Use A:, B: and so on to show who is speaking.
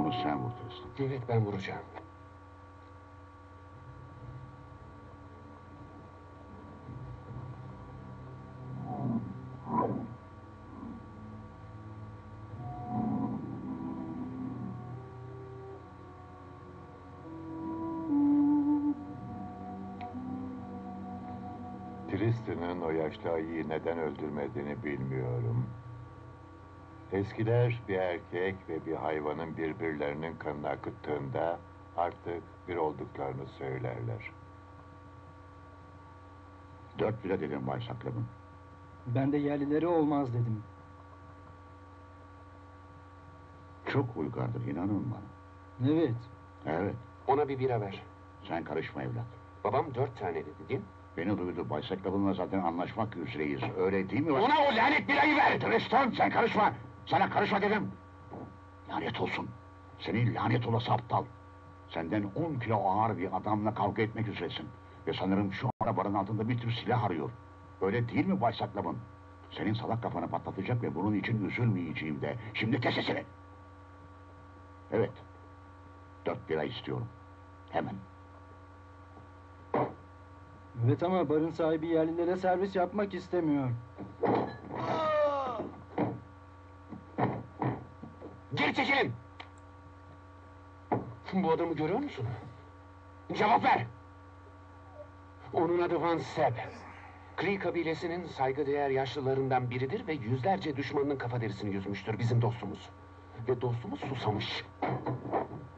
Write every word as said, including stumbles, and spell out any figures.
A: Onu sen vur Tristan.
B: Evet, ben vuracağım.
C: Tristan'ın o yaşlı ayıyı neden öldürmediğini bilmiyorum. Eskiler bir erkek ve bir hayvanın birbirlerinin kanını akıttığında artık bir olduklarını söylerler.
A: Dört bile dedim Bay Saklabın.
D: Ben de yerlileri olmaz dedim.
A: Çok uygardır, inanın bana.
D: Evet.
A: Evet,
B: Ona bir bira ver.
A: sen karışma evlat.
B: Babam dört tane dedi, değil mi?
A: Beni duydu, Bay Saklabın'la zaten anlaşmak üzereyiz. Öyle değil mi?
B: Ona o lanet birayı ver!
A: Tristan, sen karışma! Sana karışma dedim! Lanet olsun! Senin lanet olası aptal! Senden on kilo ağır bir adamla kavga etmek üzeresin. Ve sanırım şu arabanın altında bir tür silah arıyor. Öyle değil mi Bay Saklabın? Senin salak kafanı patlatacak ve bunun için üzülmeyeceğim de. Şimdi kes sesini! Evet. Dört bira istiyorum. Hemen.
D: Evet ama barın sahibi yerlilere servis yapmak istemiyor.
B: Geri çekilin! Bu adamı görüyor musun? Cevap ver! Onun adı Van Seb. Cree kabilesinin saygıdeğer yaşlılarından biridir ve yüzlerce düşmanının kafa derisini yüzmüştür bizim dostumuz. Ve dostumuz susamış.